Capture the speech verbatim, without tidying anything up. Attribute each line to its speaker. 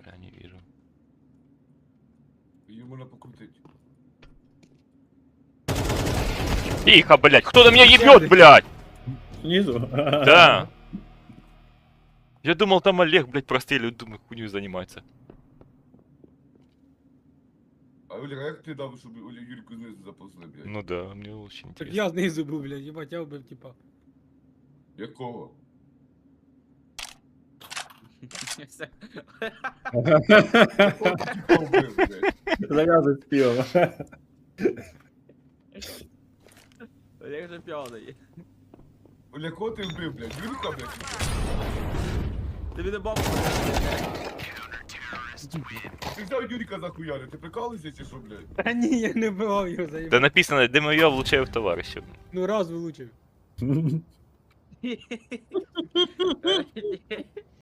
Speaker 1: Я не вижу.
Speaker 2: Ее можно покрутить.
Speaker 1: Тихо, блядь, кто на меня ебет, блядь?
Speaker 3: Снизу?
Speaker 1: Да. Я думал, там Олег, блядь, простреливает, думаю, хуйню занимается.
Speaker 2: А Оля, а як ти дав, щоб Оля Юрку знизу заповзли, блядь?
Speaker 1: Ну да, мне очень
Speaker 4: Так
Speaker 1: интересно.
Speaker 4: я знизу був, блядь, їбать, я вбив, типа.
Speaker 2: Якого? Якого ти типа вбив, блядь?
Speaker 3: Завязывай с пивом.
Speaker 5: Олег же п'яний.
Speaker 2: Оля, кого ти вбив, блядь? Юрка, блядь?
Speaker 5: Тобі не бабу.
Speaker 2: Ти взяв Юрика за хуяри, ти прикалуєшся чи що, блядь?
Speaker 4: Та ні, я не вбивав його,
Speaker 1: Да
Speaker 4: заїбав.
Speaker 1: написано, ДМО влучаю в товарища.
Speaker 4: Ну раз влучив.